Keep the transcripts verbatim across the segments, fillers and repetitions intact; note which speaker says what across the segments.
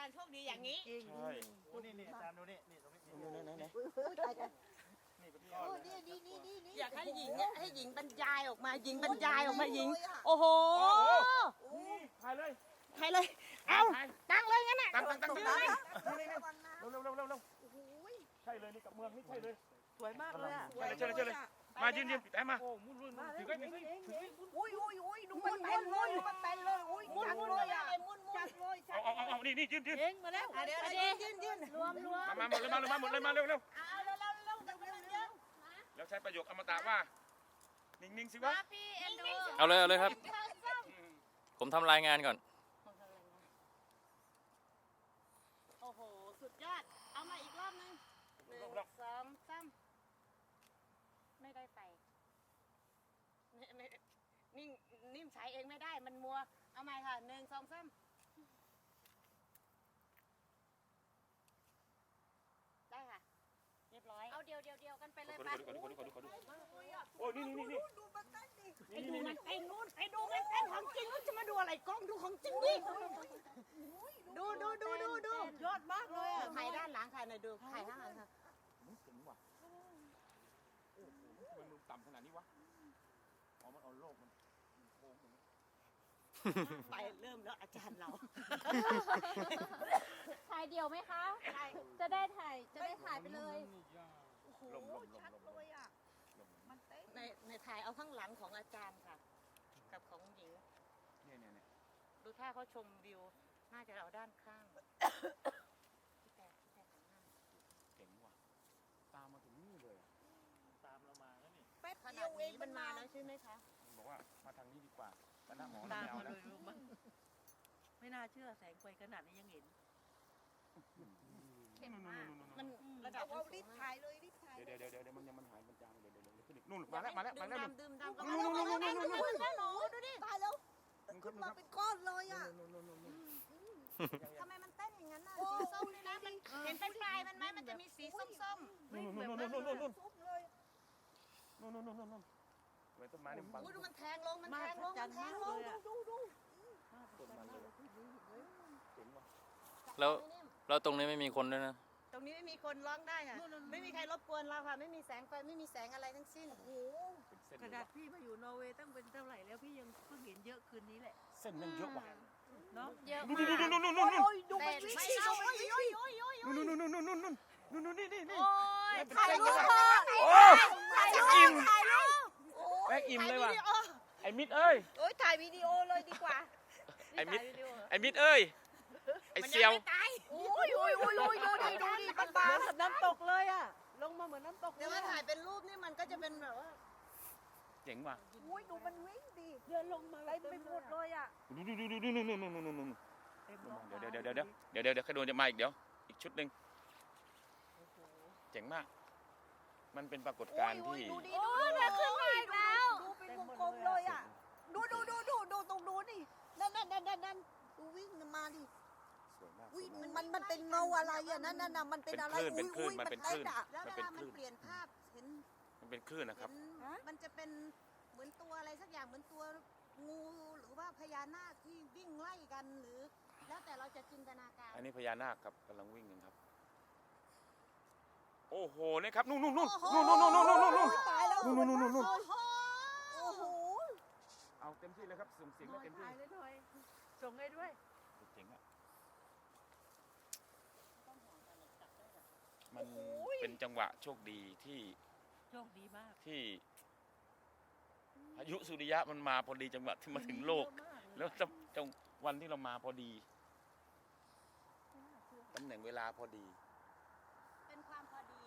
Speaker 1: ารย์โชคดีอย่างนี้
Speaker 2: ใช่โอ้นี่นี่อาจารย์ดูนี่นี่ตรงนี้นี่นี่นี่นี่นี่
Speaker 1: อยากให้หญิงให้หญิงบรรยายออกมาหญิงบรรยายออกมาหญิงโอ้โห
Speaker 2: ถ่ายเลย
Speaker 1: ถ่ายเลยเอาตั้งเลยงั้นน่ะ
Speaker 2: ตั้งตั้งตั้งเลยเร็วเร็วเร็วเร็วเร็วใช่เลยนี่กับเมืองนี่ใช่เลย
Speaker 3: สวยมากเลยอ่ะ
Speaker 2: ใช่เลยใช่เลยใช่เลยมายืนยืนปิดแอมมาถือไว้ถือไว้
Speaker 3: อุ้ยอุ้ยอุ้ยดูมันเต้นเลยดูมันเต้นเลยอุ้ยจังเลยอ่ะจังเลย
Speaker 2: เอาเอาเอานี่นี่ยืนยืน
Speaker 3: เองมาแล้ว
Speaker 1: เดี๋ยวยืนยืนยืนรวมรวม
Speaker 2: มาหมดเลยมาเลยมาหมดเลยมาเร็วเร็ว
Speaker 1: เอาเร็วเร็วเร็วเร็วเร็วเร็ว
Speaker 2: แล้วใช้ประโยคอมตะว่านิ่งๆสิวะ
Speaker 4: เอาเลยเอาเลยครับผมทำรายงานก่อน
Speaker 1: โอ้โหสุดยอดเอามาอีกรอบนึงหนึ่งสองสามไม่ได้ไปนิ่งนิ่มใช้เองไม่ได้มันมัวเอาใหม่ค่ะหนึ่งสองสามได้ค่ะเรียบร้อยเอาเดียวเดียวเดียวกันไปเลยไป
Speaker 2: โอ้ยนี่นี่นี่
Speaker 3: ดูมันเต้นดิ
Speaker 1: ไปดูมันเต้นนู่นไปดูมันเต้นของจริงจะมาดูอะไรกล้องดูของจริงดิดูดูดูดูดู
Speaker 3: ยอดมากเลยอ่ะ
Speaker 1: ถ่ายด้านหลังค่ะหน่อยดูถ่ายข้างหลังค่ะ
Speaker 2: เจ๋งว่ะโอ้โหทำไมมึงต่ำขนาดนี้วะอ๋อมันเอาโลกมันโค้งอย่างนี้
Speaker 1: ไปเริ่มแล้วอาจารย์เรา
Speaker 5: ถ่ายเดี่ยวไหมคะจะได้ถ่ายจะได้ถ่ายไปเลย
Speaker 3: โอ้โหชัดเลยอ่ะมันเต้น
Speaker 1: ในในถ่ายเอาข้างหลังของอาจารย์ค่ะกับของหญิง
Speaker 2: เนี่ยเนี่ยเนี่ย
Speaker 1: ดูถ้าเขาชมวิวน่าจะเอาด้านข้าง
Speaker 2: เจ๋งว่ะตามมาถึงนี่เลยตามเรามาแล้วนี่
Speaker 3: แป๊บ
Speaker 1: ข
Speaker 3: เดี
Speaker 1: นา
Speaker 3: ยว
Speaker 1: ด
Speaker 3: เอง
Speaker 1: นี้มันมาแล้วใช่ไหมคะ
Speaker 2: บอกว่ามาทางนี้ดีกว่าแต่หน้าหมอ
Speaker 3: ตาม
Speaker 2: ไม่เอา
Speaker 3: มา
Speaker 2: แล้
Speaker 3: เล
Speaker 2: วย
Speaker 3: มันไม่น่าเชื่อแสงไฟขนาดนี้ยังเห็น
Speaker 1: เข้มมากมันระดับ
Speaker 3: เอารีบถ่ายเลยรีบถ่าย
Speaker 2: เดี๋ยวเดี๋ยวเดี๋ยวมันยังมันหายมันจางเดี๋ยวเดี๋ยวเดี๋ยวขึ้นอีกนู่นมาแล้วมาแล้วมาแล้ว
Speaker 1: ดื่มดำก็มาแล้วมาแล้วมาแล้วดูดิ
Speaker 3: ตายแล้วขึ้นมาเป็นก้อนเลยอ่ะ
Speaker 1: ทำไมมันเต้นอย่างนั้นน่ะสีส้มเลยนะมันเห็นเป็นปลายมันไหมมันจะมีสีส้มๆ
Speaker 2: นู่นนู่นนู่นนู่นนู่นนู่นนู่นนู่นนู่นนู่นไว้ต้นไม้เนี่ยบัง
Speaker 1: ดูมันแทงลงมันแทงลงมันแทงลงดูดู
Speaker 2: ต้นไม้เลยเจ๋งว่ะ
Speaker 4: แล้วแล้วตรงนี้ไม่มีคนด้วยนะ
Speaker 1: ตรงนี้ไม่มีคนร้องได้ค่ะไม่มีใครรบกวนเราค่ะไม่มีแสงไฟไม่มีแสงอะไรทั้งสิ้น
Speaker 3: โอ้โหขนาดพี่มาอยู่นอร์เวย์ตั้งเป็นเท่าไหร่แล้วพี่ยังเพิ่งเห็นเยอะคืนนี้แหละ
Speaker 2: เส้นมันเยอะว่ะ
Speaker 3: เนาะ
Speaker 5: เยอะ
Speaker 2: นู่น
Speaker 5: มาก
Speaker 2: นู่นนู่นนู่นนู่น
Speaker 3: ดูมันวิ่งดิดูมันวิ่งดิ
Speaker 2: นู่นนู่นนู่นนู่นนู่นนู่นนู่นนี่นี่นี่
Speaker 5: โอ้ย
Speaker 1: ถ่ายรูป
Speaker 2: โอ้อิ่ม
Speaker 1: ถ่ายรูป
Speaker 2: แม่อิ่มเลยว่ะไอ้มิดเอ้ย
Speaker 3: โอ้ยถ่ายวิดีโอเลยดีกว่า
Speaker 2: ไอ้มิดไอ้มิดเอ้ยไอ้เซียว
Speaker 3: โอ้ยโอ้ยโอ้ยโอ้ยดูดิดูดิมันบานเหมือนน้ำตกเลยอ่ะลงมาเหมือนน้ำตก
Speaker 1: เดี๋ยวมาถ่ายเป็นรูปนี่มันก็จะเป็นแบบว่า
Speaker 2: เจ๋งว่ะ
Speaker 3: โอ้ยดูมันวิ่งดิเดินลงมาอะไรไปหมดเลยอ่ะ
Speaker 2: ดูดูดูดูดูนู่นนู่นนู่นนู่นนู่นเดี๋ยวเดี๋ยวเดี๋ยวเดี๋ยวเดี๋ยวเดี๋ยวเดี๋ยวขดวนจะมาอีกเดี๋ยวอีกชุดหนึ่งเจ๋งมากมันเป็นปรากฏการณ์ที่
Speaker 3: ดูดิ
Speaker 5: โอ้ยมาขึ้นมาอีกแล้ว
Speaker 3: ดูเป็นวงกลมเลยอ่ะดูดูดูดูดูตรงนู้นนี่นั่นนั่นนั่นนั่นนั่นดูวิ่งมาดิ
Speaker 2: สวยมาก
Speaker 3: อุ้ยมันมันเป็นเงาอะไรอ่ะนั่นนั่นน่ะมันเป็นอะไรอุ้ยอุ้ยมันเต้นอ่ะ
Speaker 1: แล้วเวลามันเปลี่ยนภาพเห็น
Speaker 2: มันเป็นคลื่นนะครับ
Speaker 1: มันจะเป็นเหมือนตัวอะไรสักอย่างเหมือนตัวงูหรือว่าพญานาคที่วิ่งไล่กันหรือแล้วแต่เราจะจินตนาการ
Speaker 2: อันนี้พญานาคครับกำลังวิ่งกันครับโอ้โหนี่ครับนู่นนู่นนู่นนู่นนู่นนู่นนู่นนู่นนู่น
Speaker 3: ตายแล้ว
Speaker 2: นู่นนู่นนู่นนู่น
Speaker 1: โอ้โห
Speaker 3: โอ้โห
Speaker 2: เอาเต็มที่เลยครับส่งเสียงได้เต็มที่
Speaker 3: ถ่ายเลยหน่อยส่งให้ด้วย
Speaker 2: เจ๋งอ่ะมันเป็นจังหวะโชคดีที่
Speaker 3: โชคดีมาก
Speaker 2: ที่พายุสุริยะมันมาพอดีจังหวะที่มาถึงโลกแล้วจังวันที่เรามาพอดีตำแหน่งเวลาพอดี
Speaker 1: เป็นความพอดี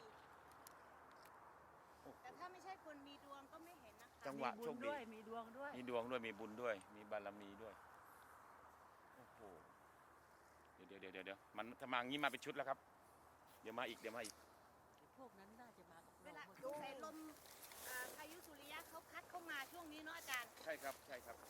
Speaker 1: แต่ถ้าไม่ใช่คนมีดวงก็ไม่เห็นนะคะ
Speaker 2: จังหวะโชคดี
Speaker 3: มีดวงด้วย
Speaker 2: มีดวงด้วยมีบุญด้วยมีบารมีด้วยโอ้โหเดี๋ยวเดี๋ยวเดี๋ยวเดี๋ยวมันถ้ามาอย่างนี้มาเป็นชุดแล้วครับเดี๋ยวมาอีกเดี๋ยวมาอีก
Speaker 3: พวกนั้นน่าจะมากับ
Speaker 1: เว
Speaker 3: เรา
Speaker 1: ลาดูใส่ลมพายุสุริยะเขาพัดเข้ามาช่วงนี้เนาะอาจารย์
Speaker 2: ใช่ครับใช่ครับ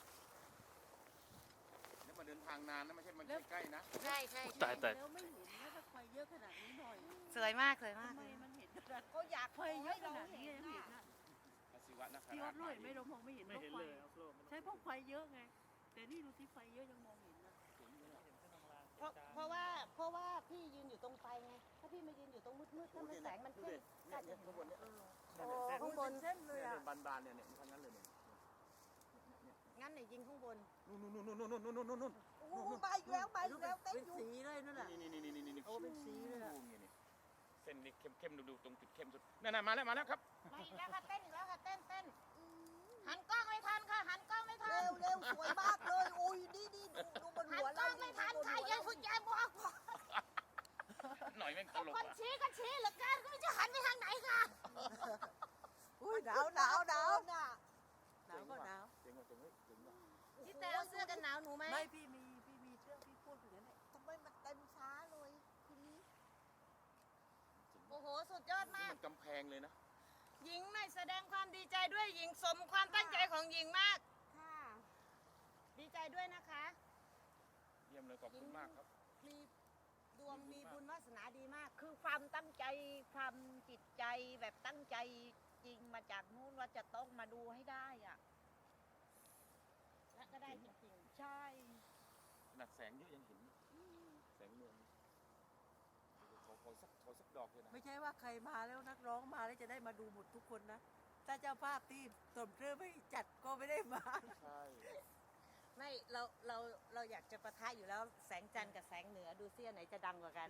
Speaker 2: นี่มาเดินทางนานนะไม่ใช่มันใกล้ๆนะ
Speaker 1: ใช่ใช่
Speaker 4: ตายตาย
Speaker 3: แล้วไม่เห็นนะถ้าไฟเยอะขนาดนี้หน่อย
Speaker 1: สวยมากสวยมาก
Speaker 3: ทำไมมันเห็นขนาดเขาอยากไฟเยอะขนาดนี้ยังเห็นอ่ะ
Speaker 2: พระศิวะนะค
Speaker 3: พี่
Speaker 2: รั
Speaker 3: วั
Speaker 2: บ
Speaker 3: ดด้วยไม่เรามองไม่เห็นเพราะไฟใช่เพราะไฟเยอะไงแต่นี่ดูที่ไฟเยอะยังมองเห็นนะ
Speaker 1: เพราะเพราะว่าเพราะพี่ยืนอยู่ตรงไฟไง ถ้าพี่มายืนอยู่ตรงมืดๆถ้ามันแสงมันเข้มก็อาจจะเห็น
Speaker 2: ข้างบนเนี่ย
Speaker 3: โอ้ข้างบนเส้นเลยอ่ะ
Speaker 2: บานบานๆเนี่ยเนี่ยทั้งนั้นเลยเนี่ย
Speaker 1: งั้นเนี่ยยิงข้างบน
Speaker 2: นู่นนู่นนู่นนู่นนู่นนู่นนู่นนู่น
Speaker 3: โอ้โหมาอีกแล้วมาอีกแล้วเต้น
Speaker 6: เป็น
Speaker 3: อยู่
Speaker 6: สีเลยนั่นแหละ
Speaker 2: นี่นี่นี่นี่นี่
Speaker 6: โอ้เป็นสีเลยอะ
Speaker 2: นี่นี่เส้นนี่เข้มเข้มดูดูตรงจุดเข้มสุดนั่นน่ะมาแล้วมาแล้วครับ
Speaker 1: มาอีกแล้วค่ะเต้นอีกแล้วค่ะเต้นเต้นหันกล้องไม่ทันค่ะ หันกล้องไม่ทั
Speaker 3: เร็
Speaker 1: น
Speaker 3: วเร็วสวยมากเลยโอ้ยนี่นี่ดูดูบน
Speaker 1: หัน
Speaker 3: หัว
Speaker 1: กล้
Speaker 3: เรา
Speaker 1: องไม่ทันค่ะยายคุณยายบอก
Speaker 2: หน่อยแม่งตลก
Speaker 1: คน
Speaker 2: อ่ะ
Speaker 1: ชี้ก็ชี้เหลือเกินก็ไม่รู้จะหันไปทางไหนค่ะ
Speaker 3: อุ้ยหนาวหนาวหนาวน่ะ
Speaker 6: หนาวก็หนาว
Speaker 2: เจ๋งว่ะเจ๋งเว้ยเจ๋งว่ะ
Speaker 1: พี่แต่เอาเสื้อกันหนาวหนูไหม
Speaker 6: ไม่พี่มีพี่มีเชือกพี่พูดอย่างนั้นแหละ
Speaker 3: ทำไมมันเต็มช้าเลยทีนี้
Speaker 1: โอ้โห สุดยอด
Speaker 2: นี่
Speaker 1: มาก
Speaker 2: มันกำแพงเลยนะ
Speaker 1: หญิงไม่แสดงความดีใจด้วยหญิงสมความตั้งใจของหญิงมาก
Speaker 3: ค่ะ
Speaker 1: ดีใจด้วยนะคะ
Speaker 2: เยี่ยมเลยขอบคุณมากครับ
Speaker 1: มีดวงมีบุญวาสนาดีมาก
Speaker 3: คือความตั้งใจความจิตใจแบบตั้งใจจริงมาจากนู้นว่าจะต้องมาดูให้ได้อ่ะ
Speaker 1: และก็ได้จริง
Speaker 3: ใช่
Speaker 2: ขนาดแสงเยอะยังเห็นแสงเมืองขอขอสักขอสักดอกเลยนะ
Speaker 6: ไม่ใช่ว่าใครมาแล้วนักร้องมาแล้วจะได้มาดูหมดทุกคนนะ ถ้าเจ้าภาพที่สมเรือไม่จัดก็ไม่ได้มา
Speaker 2: ใช่
Speaker 1: ๆ ไม่เราเราเราอยากจะประทะอยู่แล้วแสงจันทร์กับแสงเหนือดูเสี้ยไหนจะดังกว่ากัน